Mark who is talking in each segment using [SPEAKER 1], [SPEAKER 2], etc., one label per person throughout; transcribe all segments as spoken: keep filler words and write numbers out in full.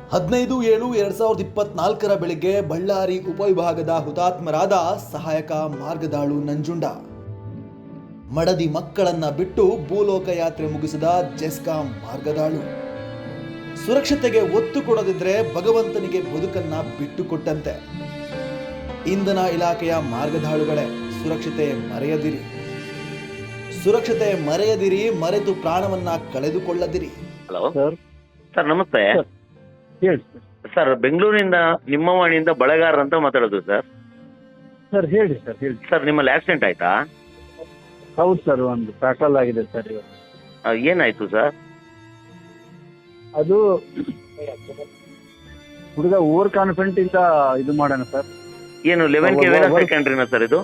[SPEAKER 1] ಹದಿನೈದು ಏಳು ಎರಡ್ ಸಾವಿರದ ಇಪ್ಪತ್ನಾಲ್ಕರ ಬೆಳಿಗ್ಗೆ ಬಳ್ಳಾರಿ ಉಪವಿಭಾಗದ ಹುತಾತ್ಮರಾದ ಸಹಾಯಕ ಮಾರ್ಗದಾಳು ನಂಜುಂಡ ಮಡದಿ ಮಕ್ಕಳನ್ನ ಬಿಟ್ಟು ಭೂಲೋಕ ಯಾತ್ರೆ ಮುಗಿಸಿದ ಜೆಸ್ಕಾಂ ಮಾರ್ಗದಾಳು ಸುರಕ್ಷತೆಗೆ ಒತ್ತು ಕೊಡದಿದ್ರೆ ಭಗವಂತನಿಗೆ ಬದುಕನ್ನ ಬಿಟ್ಟು ಕೊಟ್ಟಂತೆ. ಇಂಧನ ಇಲಾಖೆಯ ಮಾರ್ಗದಾಳುಗಳೇ, ಸುರಕ್ಷತೆ ಮರೆಯದಿರಿ, ಸುರಕ್ಷತೆ ಮರೆಯದಿರಿ, ಮರೆತು ಪ್ರಾಣವನ್ನ ಕಳೆದುಕೊಳ್ಳದಿರಿ.
[SPEAKER 2] ಹಲೋ
[SPEAKER 3] ಸರ್
[SPEAKER 2] ಸರ್, ನಮಸ್ತೆ
[SPEAKER 3] ಹೇಳಿ
[SPEAKER 2] ಸರ್. ಬೆಂಗಳೂರಿನಿಂದ ನಿಮ್ಮ ವಾಣಿಯಿಂದ ಬಳಗಾರ ಅಂತ ಮಾತಾಡೋದು ಸರ್.
[SPEAKER 3] ಸರ್ ಹೇಳಿ ಸರ್ ಹೇಳಿ
[SPEAKER 2] ಸರ್, ನಿಮ್ಮಲ್ಲಿ ಆಕ್ಸಿಡೆಂಟ್ ಆಯ್ತಾ?
[SPEAKER 3] ಹೌದು ಸರ್, ಒಂದು ಪ್ಯಾಟ್ರೋಲ್ ಆಗಿದೆ ಸರ್ ಇವತ್ತು.
[SPEAKER 2] ಆ, ಏನಾಯ್ತು ಸರ್?
[SPEAKER 3] ಅದು ಹುಡುಗ ಓವರ್ ಕಾನ್ಫಿಡೆಂಟ್ ಇಂದ ಇದು ಮಾಡೋಣ ಸರ್.
[SPEAKER 2] ಏನು ಲೆವೆನ್ ಕೆ
[SPEAKER 3] ಒಬ್ಬ-
[SPEAKER 2] ಸೆಕೆಂಡ್ರಿನ ಸರ್ ಇದು?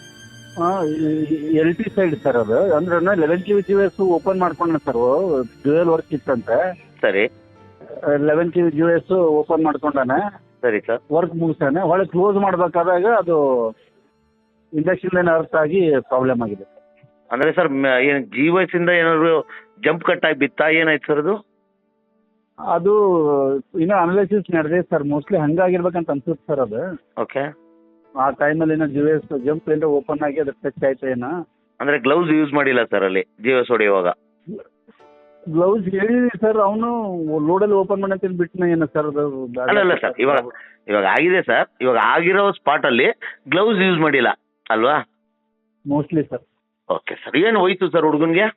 [SPEAKER 3] ಎಲ್ ಟಿ ಸೈಡ್ ಸರ್ ಅದು, ಅಂದ್ರೆ eleven K G S open ಮಾಡ್ಕೊಂಡ ಸರ್, ಡ್ಯೂಯಲ್ ವರ್ಕ್ ಇತ್ತಂತೆ.
[SPEAKER 2] ಸರಿ
[SPEAKER 3] eleven K G S open ಮಾಡ್ಕೊಂಡಾನೆ,
[SPEAKER 2] ಸರಿ ಸರ್.
[SPEAKER 3] ವರ್ಕ್ ಮುಗಿಸಾನೆ. ಒಳಗೆ ಕ್ಲೋಸ್ ಮಾಡ್ಬೇಕಾದಾಗ ಅದು ಇಂಡಕ್ಷನ್ ಲೈನ್ ಅರ್ಥ ಆಗಿ ಪ್ರಾಬ್ಲಮ್ ಆಗಿದೆ.
[SPEAKER 2] ಅಂದ್ರೆ ಸರ್, ಮ- ಏನು ಜಿ ವೈಸ್ ಇಂದ ಏನಾದ್ರು ಜಂಪ್ ಕಟ್ ಆಗಿ ಬಿತ್ತಾ? ಏನಾಯ್ತು ಸರ್ ಅದು?
[SPEAKER 3] ಅದು ಇನ್ನೂ ಅನಾಲಿಸಿಸ್ ನಡೆದಿದೆ ಸರ್, ಮೋಸ್ಟ್ಲಿ ಹಂಗಾಗಿರ್ಬೇಕಂತ ಅನ್ಸುತ್ತೆ ಸರ್. ಅದು
[SPEAKER 2] ಓಕೆ.
[SPEAKER 3] ಆ ಟೈಮಲ್ಲಿ ಏನೋ ಜಿ ಎಸ್ ಜಂಪ್ ಏನೋ ಓಪನ್ ಆಗಿ ಅದು ಟಚ್ ಆಯ್ತು ಏನೋ.
[SPEAKER 2] ಅಂದ್ರೆ ಗ್ಲೌಸ್ ಯೂಸ್ ಮಾಡಿಲ್ಲ ಸರ್ ಅಲ್ಲಿ ಜಿ ಎಸ್ ಹೊಡೆಯುವಾಗ?
[SPEAKER 3] ಗ್ಲೌಸ್ ಹೇಳಿದ್ವಿ ಸರ್, ಅವನು ಲೋಡಲ್ಲಿ ಓಪನ್ ಮಾಡಂತ ಬಿಟ್ಟನ ಏನೋ ಸರ್ ಅದು.
[SPEAKER 2] ಅಲ್ಲ ಅಲ್ಲ ಸರ್, ಇವಾಗ ಇವಾಗ ಆಗಿದೆ ಸರ್. ಇವಾಗ ಆಗಿರೋ ಸ್ಪಾಟ್ ಅಲ್ಲಿ ಗ್ಲೌಸ್ ಯೂಸ್ ಮಾಡಿಲ್ಲ ಅಲ್ವಾ?
[SPEAKER 3] Mostly sir.
[SPEAKER 2] Okay sir. ಏನು ಹೋಯ್ತು ಸರ್ ಹುಡುಗನ್ಗೆ?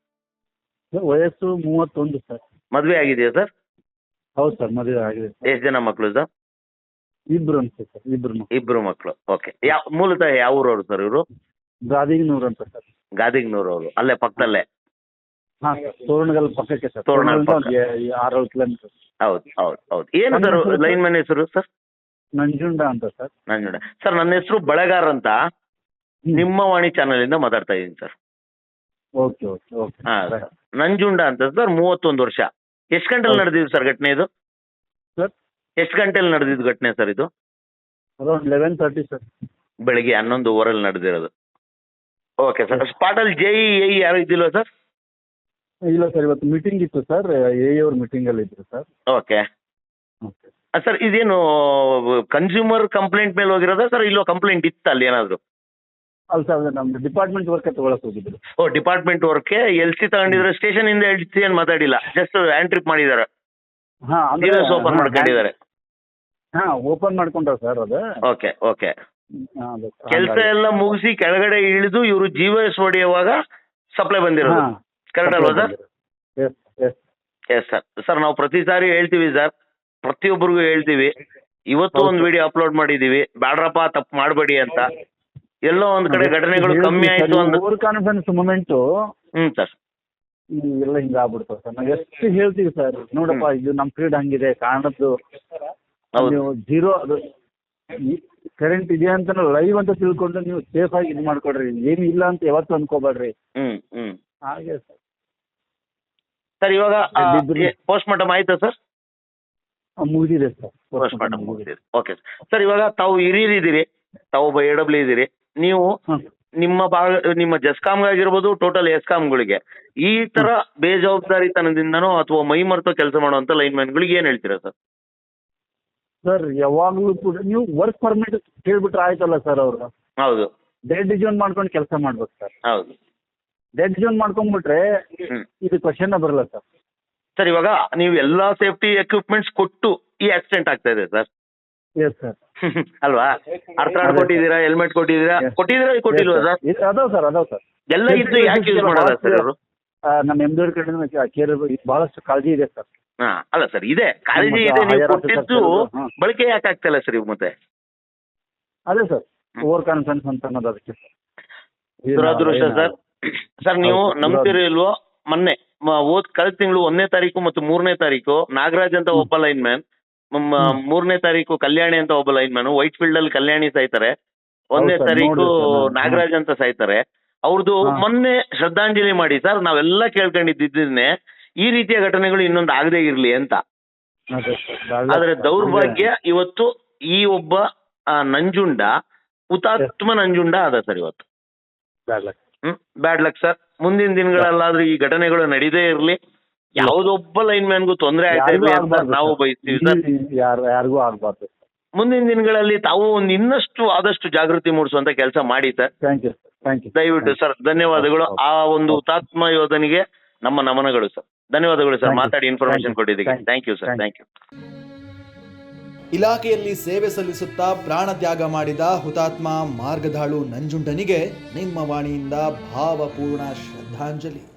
[SPEAKER 3] ವಯಸ್ಸು ಮೂವತ್ತೊಂದು ಸರ್.
[SPEAKER 2] ಮದ್ವೆ ಆಗಿದೆಯಾ ಸರ್?
[SPEAKER 3] ಹೌದು ಸರ್, ಮದುವೆ ಆಗಿದೆ ಸರ್.
[SPEAKER 2] ಎಷ್ಟು ಜನ ಮಕ್ಕಳು ಸರ್?
[SPEAKER 3] ಇಬ್ರು ಅನ್ಸುತ್ತೆ ಸರ್, ಇಬ್ರು.
[SPEAKER 2] ಇಬ್ರು ಮಕ್ಕಳು. ಓಕೆ. ಯಾವ ಮೂಲತಃ ಯಾವ ಊರವರು ಸರ್ ಇವರು?
[SPEAKER 3] ಗಾದಿಗ್ನೂರು ಅಂತ ಸರ್.
[SPEAKER 2] ಗಾದಿಗ್ನೂರು ಅವರು, ಅಲ್ಲೇ ಪಕ್ಕದಲ್ಲೇ?
[SPEAKER 3] ಹಾ ಸರ್, ತೋರಣಗಲ್ ಪಕ್ಕಕ್ಕೆ ಸರ್.
[SPEAKER 2] ತೋರಣಗಲ್ ಪಕ್ಕ.
[SPEAKER 3] ತೋರಣಗಲ್ದ ಒಂದು ಆರೇಳು ಕಿಲೋಮೀಟರ್.
[SPEAKER 2] ಹೌದು ಹೌದು ಹೌದು. ಏನು ಸರ್ ಲೈನ್ ಮ್ಯಾನ್ ಹೆಸರು ಸರ್?
[SPEAKER 3] ನಂಜುಂಡ ಅಂತ ಸರ್.
[SPEAKER 2] ನಂಜುಂಡ ಸರ್. ನನ್ನ ಹೆಸರು ಬಳಗಾರ್ ಅಂತ, ನಿಮ್ಮ ವಾಣಿ ಚಾನಲ್ ಇಂದ ಮಾತಾಡ್ತಾ ಇದ್ದೀನಿ ಸರ್.
[SPEAKER 3] Okay okay okay.
[SPEAKER 2] ಹಾ ಸರ್. ನಂಜುಂಡ ಅಂತ ಸರ್, ಮೂವತ್ತೊಂದು ವರ್ಷ. ಎಷ್ಟು ಗಂಟೆಲಿ ನಡೆದಿದ್ದು ಸರ್ ಘಟನೆ ಇದು?
[SPEAKER 3] ಸರ್
[SPEAKER 2] ಎಷ್ಟು ಗಂಟೆಲಿ ನಡೆದಿದ್ದು ಘಟನೆ ಸರ್ ಇದು?
[SPEAKER 3] Around eleven thirty sir.
[SPEAKER 2] ಬೆಳಿಗ್ಗೆ ಹನ್ನೊಂದು ಓವರಲ್ಲಿ ನಡೆದಿರೋದು. Okay sir. ಸ್ಪಾಟಲ್ಲಿ ಜೆ ಇ ಎ ಯಾರು ಇದ್ದಿಲ್ವಾ ಸರ್?
[SPEAKER 3] ಇಲ್ಲ ಸರ್, ಇವತ್ತು ಮೀಟಿಂಗ್ ಇತ್ತು ಸರ್, ಎ ಅವ್ರ ಮೀಟಿಂಗ್ ಅಲ್ಲಿ ಇದ್ರು ಸರ್.
[SPEAKER 2] Okay
[SPEAKER 3] okay
[SPEAKER 2] sir. ಇದೇನು ಕನ್ಸ್ಯೂಮರ್ ಕಂಪ್ಲೇಂಟ್ ಮೇಲೆ ಹೋಗಿರೋದಾ ಸರ್? ಇಲ್ಲೋ ಕಂಪ್ಲೇಂಟ್ ಇತ್ತು ಅಲ್ಲಿ ಏನಾದ್ರು?
[SPEAKER 3] ಅಲ್ಲ ಸರ್, ನಮ್ದು ಡಿಪಾರ್ಟ್ಮೆಂಟ್ ವರ್ಕ್ ತಗೊಳಕ್ ಹೋಗಿದ್ರು.
[SPEAKER 2] ಓ, ಡಿಪಾರ್ಟ್ಮೆಂಟ್ ವರ್ಕ್ಗೆ ಎಲ್ ಸಿ ತಗೊಂಡಿದ್ರೆ ಸ್ಟೇಷನ್ ಇಂದ ಎಲ್ ಸಿ ಏನು ಮಾತಾಡಿಲ್ಲ, ಜಸ್ಟ್ ಹ್ಯಾಂಡ್ ಟ್ರಿಪ್ ಮಾಡಿದ್ದಾರೆ,
[SPEAKER 3] ಹಾ
[SPEAKER 2] ಓಪನ್ ಮಾಡ್ಕೊಂಡಿದ್ದಾರೆ.
[SPEAKER 3] ಹಾ ಓಪನ್ ಮಾಡ್ಕೊಂಡ್ರ ಸರ್ ಅದು.
[SPEAKER 2] Okay okay.
[SPEAKER 3] ಹಾ, ಅದು ಸರ್.
[SPEAKER 2] ಕೆಲಸ ಎಲ್ಲ ಮುಗಿಸಿ ಕೆಳಗಡೆ ಇಳಿದು ಇವರು ಜಿ ಎಸ್ ಹೊಡೆಯುವಾಗ ಸಪ್ಲೈ ಬಂದಿರೋದು.
[SPEAKER 3] ಹಾ.
[SPEAKER 2] ಕರೆಕ್ಟ್ ಅಲ್ವಾ sir?
[SPEAKER 3] Yes yes
[SPEAKER 2] yes sir. Sir, ನಾವು ಪ್ರತಿ ಸಾರಿ ಹೇಳ್ತೀವಿ ಸರ್, ಪ್ರತಿಯೊಬ್ಬರಿಗೂ ಹೇಳ್ತೀವಿ. ಇವತ್ತು ಒಂದು ವಿಡಿಯೋ ಅಪ್ಲೋಡ್ ಮಾಡಿದೀವಿ, ಬ್ಯಾಡ್ರಪ್ಪ ತಪ್ಪು ಮಾಡಬೇಡಿ ಅಂತ. ಎಲ್ಲೋ ಒಂದ್ ಕಡೆ ಘಟನೆಗಳು ಕಮ್ಮಿ ಆಯ್ತು ಅಂತ.
[SPEAKER 3] ಓವರ್ ಕಾನ್ಫಿಡೆನ್ಸ್ ಮೂಮೆಂಟು
[SPEAKER 2] ಹ್ಮ್ ಸರ್.
[SPEAKER 3] ಎಲ್ಲ ಹಿಂಗ ಆಗ್ಬಿಡ್ತಾವ ಸರ್. ನಾವು ಎಷ್ಟು ಹೇಳ್ತೀವಿ ಸರ್, ನೋಡಪ್ಪ ಇದು ನಮ್ ಫೀಲ್ಡ್ ಹಂಗಿದೆ, ಕಾರಣದ್ದು
[SPEAKER 2] ಹೌದು.
[SPEAKER 3] ನೀವು ಜೀರೋ ಅದು ಕರೆಂಟ್ ಇದೆ ಅಂತ ಲೈವ್ ಅಂತ ತಿಳ್ಕೊಂಡು ನೀವು ಸೇಫ್ ಆಗಿ ಇದು ಮಾಡ್ಕೊಡ್ರಿ, ಏನು ಇಲ್ಲ ಅಂತ ಯಾವತ್ತೂ ಅನ್ಕೋಬೇಡ್ರಿ.
[SPEAKER 2] ಹ್ಮ್ ಹ್ಮ್
[SPEAKER 3] ಹಾಗೆ ಸರ್.
[SPEAKER 2] ಸರ್, ಇವಾಗ
[SPEAKER 3] ಇಬ್ರು-
[SPEAKER 2] ಪೋಸ್ಟ್ ಮಾರ್ಟಮ್ ಆಯ್ತಾ ಸರ್?
[SPEAKER 3] ಮುಗಿದಿದೆ ಸರ್.
[SPEAKER 2] ಪೋಸ್ಟ್ ಮಾರ್ಟಮ್ ಮುಗಿದಿದೆ. Okay sir. ಇವಾಗ ತಾವು ಹಿರಿಯರಿದ್ದೀರಿ, ತಾವು ಒಬ್ಬ ಎ ಡಬ್ಲ್ಯೂ ಇದ್ದೀರಿ. ನೀವು
[SPEAKER 3] ಹಾಂ.
[SPEAKER 2] ನಿಮ್ಮ ಭಾಗ ನಿಮ್ಮ ಜಸ್ಕಾಮ್ಗಾಗಿರ್ಬೋದು, ಟೋಟಲ್ ಎಸ್ಕಾಮ್ಗಳಿಗೆ ಈ ತರ ಬೇಜವಾಬ್ದಾರಿತನದಿಂದನೋ ಅಥವಾ ಮೈ ಮರೆತೋ ಕೆಲಸ ಮಾಡುವಂತ ಲೈನ್ ಮ್ಯಾನ್ಗಳಿಗೆ ಏನ್ ಹೇಳ್ತೀರಾ ಸರ್?
[SPEAKER 3] ಸರ್ ಯಾವಾಗಲೂ ಕೂಡ ನೀವು ವರ್ಕ್ ಪರ್ಮಿಟ್ ಕೇಳ್ಬಿಟ್ರೆ ಆಯ್ತಲ್ಲ ಸರ್. ಅವರು
[SPEAKER 2] ಹೌದು
[SPEAKER 3] ಡೆಡ್ ಜೋನ್ ಮಾಡ್ಕೊಂಡು ಕೆಲಸ ಮಾಡ್ಬೇಕು ಸರ್.
[SPEAKER 2] ಹೌದು.
[SPEAKER 3] ಡೆಡ್ ಜೋನ್ ಮಾಡ್ಕೊಂಡ್ಬಿಟ್ರೆ
[SPEAKER 2] ಹ್ಮ್
[SPEAKER 3] ಇದು ಕ್ವಶನ್ ಬರಲ್ಲ ಸರ್.
[SPEAKER 2] ಸರ್, ಇವಾಗ ನೀವು ಎಲ್ಲಾ ಸೇಫ್ಟಿ ಎಕ್ವಿಪ್ಮೆಂಟ್ಸ್ ಕೊಟ್ಟು ಈ ಆಕ್ಸಿಡೆಂಟ್ ಆಗ್ತಾ ಇದೆ ಸರ್.
[SPEAKER 3] Yes sir.
[SPEAKER 2] ಅಲ್ವಾ? ಅರ್ಥಾಡ್ ಕೊಟ್ಟಿದ್ದೀರಾ, ಹೆಲ್ಮೆಟ್ ಕೊಟ್ಟಿದ್ದೀರಾ, ಕೊಟ್ಟಿದ್ದೀರಾ ಕೊಟ್ಟಿಲ್ವಾ ಸರ್?
[SPEAKER 3] ಅದಾವ ಸರ್, ಅದಾವ ಸರ್.
[SPEAKER 2] ಎಲ್ಲ ಇದ್ದು ಯಾಕೆ ಯೂಸ್ ಮಾಡಲ್ಲ ಸರ್ ಇವರು?
[SPEAKER 3] ನಮ್ಮ ಎಮ್ ಡಿ ಅವ್ರ ಕಡೆ ಕೇರ್ ಬಹಳಷ್ಟು ಕಾಳಜಿ ಇದೆ ಸರ್.
[SPEAKER 2] ಹಾ, ಅಲ್ಲ ಸರ್, ಇದೆ ಕಾಳಜಿ ಇದೆ, ನೀವು ಕೊಟ್ಟಿದ್ದು ಬಳಕೆ ಯಾಕೆ ಆಗ್ತಿಲ್ಲ ಸರ್ ಇವ್ ಮತ್ತೆ?
[SPEAKER 3] ಅದೇ ಸರ್, ಓವರ್ ಕಾನ್ಫಿಡೆನ್ಸ್ ಅಂತ ಅನ್ನೋದು ಅದಕ್ಕೆ.
[SPEAKER 2] ದುರದೃಷ್ಟ ಸರ್. ಸರ್, ನೀವು ನಂಬ್ತಿರೋ ಇಲ್ವೋ, ಮೊನ್ನೆ ಮ- ಹೋದ್ ಕಳೆದ ತಿಂಗಳು ಒಂದನೇ ತಾರೀಕು ಮತ್ತು ಮೂರನೇ ತಾರೀಕು ನಾಗರಾಜ್ ಅಂತ ಒಬ್ಬ ಲೈನ್ ಮ್ಯಾನ್, ಮೂರನೇ ತಾರೀಕು ಕಲ್ಯಾಣಿ ಅಂತ ಒಬ್ಬ ಲೈನ್ ಮ್ಯಾನ್, ವೈಟ್ ಫೀಲ್ಡ್ ಅಲ್ಲಿ ಕಲ್ಯಾಣಿ ಸಾಯ್ತಾರೆ. ಒಂದನೇ
[SPEAKER 3] ಹೌದು ಸರ್,
[SPEAKER 2] ತಾರೀಕು
[SPEAKER 3] ನೋಡಿದೆ ಸರ್ ನಾನು.
[SPEAKER 2] ನಾಗರಾಜ್ ಅಂತ ಸಾಯ್ತಾರೆ. ಅವ್ರದ್ದು
[SPEAKER 3] ಹಾ.
[SPEAKER 2] ಮೊನ್ನೆ ಶ್ರದ್ಧಾಂಜಲಿ ಮಾಡಿ ಸರ್, ನಾವೆಲ್ಲ ಕೇಳ್ಕೊಂಡಿದ್ದಿದ್ದೇನೆ ಈ ರೀತಿಯ ಘಟನೆಗಳು ಇನ್ನೊಂದು ಆಗದೇ ಇರ್ಲಿ ಅಂತ.
[SPEAKER 3] ಅದೇ ಸರ್.
[SPEAKER 2] ಆದ್ರೆ ದೌರ್ಭಾಗ್ಯ ಇವತ್ತು ಈ ಒಬ್ಬ ಆ, ನಂಜುಂಡ ಹುತಾತ್ಮ ನಂಜುಂಡ ಅದ ಸರ್ ಇವತ್ತು.
[SPEAKER 3] Bad luck.
[SPEAKER 2] ಹ್ಮ್ ಬ್ಯಾಡ್ ಲಕ್ ಸರ್. ಮುಂದಿನ ದಿನಗಳಲ್ಲಾದ್ರೂ ಈ ಘಟನೆಗಳು ನಡೀದೇ ಇರಲಿ. ಯಾವ್ದೊಬ್ಬ ಲೈನ್ ಮ್ಯಾನ್ಗೂ ತೊಂದರೆ ಆಯ್ತಾ
[SPEAKER 3] ಯಾರಿಗೂ
[SPEAKER 2] ಇರ್ಲಿ ಅಂತ
[SPEAKER 3] ಆಗ್ಬಾರ್ದು
[SPEAKER 2] ನಾವು
[SPEAKER 3] ಸರ್.
[SPEAKER 2] ಬಯಸ್ತೀವಿ ಸರ್.
[SPEAKER 3] ಇಲ್ಲಿ ಯಾರು ಯಾರಿಗೂ ಆಗ್ಬಾರ್ದು.
[SPEAKER 2] ಮುಂದಿನ ದಿನಗಳಲ್ಲಿ ತಾವು ಒಂದು ಇನ್ನಷ್ಟು ಆದಷ್ಟು ಜಾಗೃತಿ ಮೂಡಿಸುವಂತ ಕೆಲಸ ಮಾಡಿ sir.
[SPEAKER 3] Thank you thank you
[SPEAKER 2] ದಯವಿಟ್ಟು ಸರ್, ಧನ್ಯವಾದಗಳು. ಆ ಒಂದು ಹುತಾತ್ಮ ಯೋಧನಿಗೆ ನಮ್ಮ ನಮನಗಳು ಸರ್. ಧನ್ಯವಾದಗಳು ಸರ್,
[SPEAKER 3] Thank you.
[SPEAKER 2] ಮಾತಾಡಿ ಇನ್ಫಾರ್ಮೇಶನ್
[SPEAKER 3] Thank you.
[SPEAKER 2] ಕೊಟ್ಟಿದ್ದಕ್ಕೆ.
[SPEAKER 3] Thank you.
[SPEAKER 2] Thank you sir,
[SPEAKER 3] Thank
[SPEAKER 2] thank you.
[SPEAKER 1] ಇಲಾಖೆಯಲ್ಲಿ ಸೇವೆ ಸಲ್ಲಿಸುತ್ತಾ ಪ್ರಾಣ ತ್ಯಾಗ ಮಾಡಿದ ಹುತಾತ್ಮ ಮಾರ್ಗದಾಳು ನಂಜುಂಡನಿಗೆ ನಿಮ್ಮ ವಾಣಿಯಿಂದ ಭಾವಪೂರ್ಣ ಶ್ರದ್ಧಾಂಜಲಿ.